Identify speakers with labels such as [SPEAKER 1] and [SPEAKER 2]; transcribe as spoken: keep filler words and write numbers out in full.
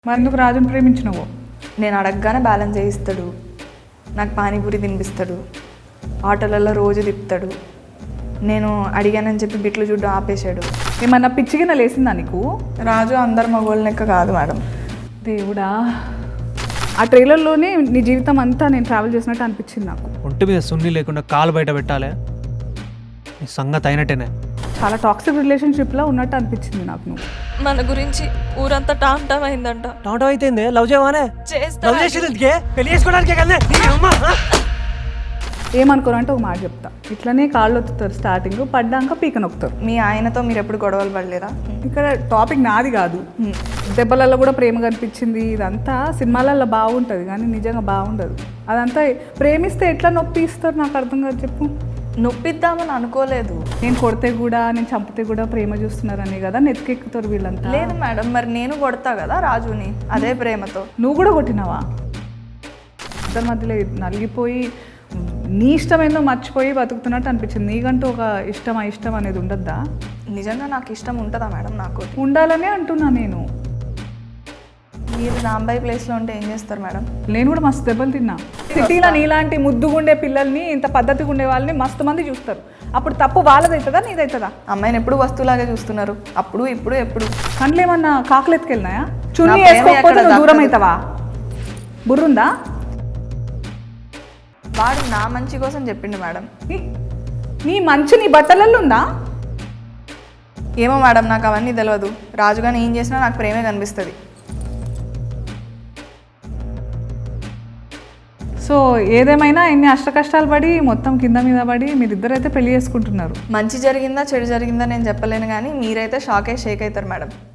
[SPEAKER 1] మరి ఎందుకు రాజుని ప్రేమించినవో?
[SPEAKER 2] నేను అడగగానే బ్యాలెన్స్ చేయిస్తాడు, నాకు పానీపూరి తినిపిస్తాడు, ఆటోలలో రోజు తిప్పుతాడు. నేను అడిగానని చెప్పి బిట్లు చూడ్డం ఆపేశాడు.
[SPEAKER 1] ఏమన్నా పిచ్చిగిన లేసిందా నీకు?
[SPEAKER 2] రాజు అందరు మగోళ్ళ లెక్క కాదు మేడం.
[SPEAKER 1] దేవుడా, ఆ ట్రైలర్లోనే నీ జీవితం అంతా నేను ట్రావెల్ చేసినట్టు అనిపించింది నాకు.
[SPEAKER 3] ఒంటి మీద సున్ని లేకుండా కాలు బయట పెట్టాలి, నీ సంగతి అయినట్టేనే.
[SPEAKER 1] చాలా టాక్సిక్ రిలేషన్షిప్లో ఉన్నట్టు అనిపించింది నాకు. నువ్వు
[SPEAKER 4] మన గురించి ఊరంతా టామ్ టామ్ అయిందంట.
[SPEAKER 3] టమాటో అయితే లవ్ చేయవానే? లవ్ చేసేందుకే, పెళ్లి చేసుకోవడానికే కదా.
[SPEAKER 1] ఏమనుకోరంటే ఒక మాట చెప్తా, ఇట్లనే కాళ్ళు ఒత్తుతారు, స్టార్టింగ్ పడ్డాక పీక నొక్కుతారు.
[SPEAKER 2] మీ ఆయనతో మీరు ఎప్పుడు గొడవలు పడలేదా?
[SPEAKER 1] ఇక్కడ టాపిక్ నాది కాదు. దెబ్బలలో కూడా ప్రేమ కనిపించింది, ఇదంతా సినిమాలలో బాగుంటుంది కానీ నిజంగా బాగుండదు. అదంతా ప్రేమిస్తే ఎట్లా నొప్పి ఇస్తారు నాకు అర్థం కాదు. చెప్పు.
[SPEAKER 2] నొప్పిద్దామని అనుకోలేదు.
[SPEAKER 1] నేను కొడితే కూడా నేను చంపితే కూడా ప్రేమ చూస్తున్నారని కదా నెత్తికెక్కుతారు వీళ్ళంతా.
[SPEAKER 2] లేదు మేడం, మరి నేను కొడతా కదా రాజుని అదే ప్రేమతో.
[SPEAKER 1] నువ్వు కూడా కొట్టినావా? ఇద్దరి మధ్యలో నలిగిపోయి నీ ఇష్టం ఏందో మర్చిపోయి బతుకుతున్నట్టు అనిపించింది. నీకంటూ ఒక ఇష్టం ఇష్టం అనేది ఉండద్దా?
[SPEAKER 2] నిజంగా నాకు ఇష్టం ఉంటుందా మేడం? నాకు
[SPEAKER 1] ఉండాలనే అంటున్నా నేను.
[SPEAKER 2] మీరు రాంబాయి ప్లేస్లో ఉంటే ఏం చేస్తారు మేడం?
[SPEAKER 1] నేను కూడా మస్తు దెబ్బలు తిన్నా. సిటీలో నీలాంటి ముద్దుగుండే పిల్లల్ని, ఇంత పద్ధతిగా ఉండే వాళ్ళని మస్తు మంది చూస్తారు. అప్పుడు తప్పు వాళ్ళదవుతుందా నీదవుతుందా?
[SPEAKER 2] అమ్మాయిని ఎప్పుడు వస్తువులాగే చూస్తున్నారు, అప్పుడు ఇప్పుడు ఎప్పుడు.
[SPEAKER 1] కండ్లు ఏమన్నా కాకులు ఎత్తుకెళ్ళినాయా? చున్నీ వేసుకోకపోతే నువ్వు దూరం అవుతావా? బుర్రుందా?
[SPEAKER 2] వాడు నా మంచి కోసం చెప్పిండు మేడం.
[SPEAKER 1] నీ మంచి నీ బట్టలలో ఉందా?
[SPEAKER 2] ఏమో మేడం, నాకు అవన్నీ తెలియదు. రాజుగాని ఏం చేసినా నాకు ప్రేమే కనిపిస్తుంది.
[SPEAKER 1] సో ఏదేమైనా ఎన్ని అష్ట కష్టాలు పడి మొత్తం కింద మీద పడి మీరిద్దరైతే పెళ్లి చేసుకుంటున్నారు.
[SPEAKER 2] మంచి జరిగిందా చెడు జరిగిందా నేను చెప్పలేను, కానీ మీరైతే షాక్ అయ్యి షేక్ అవుతారు మేడం.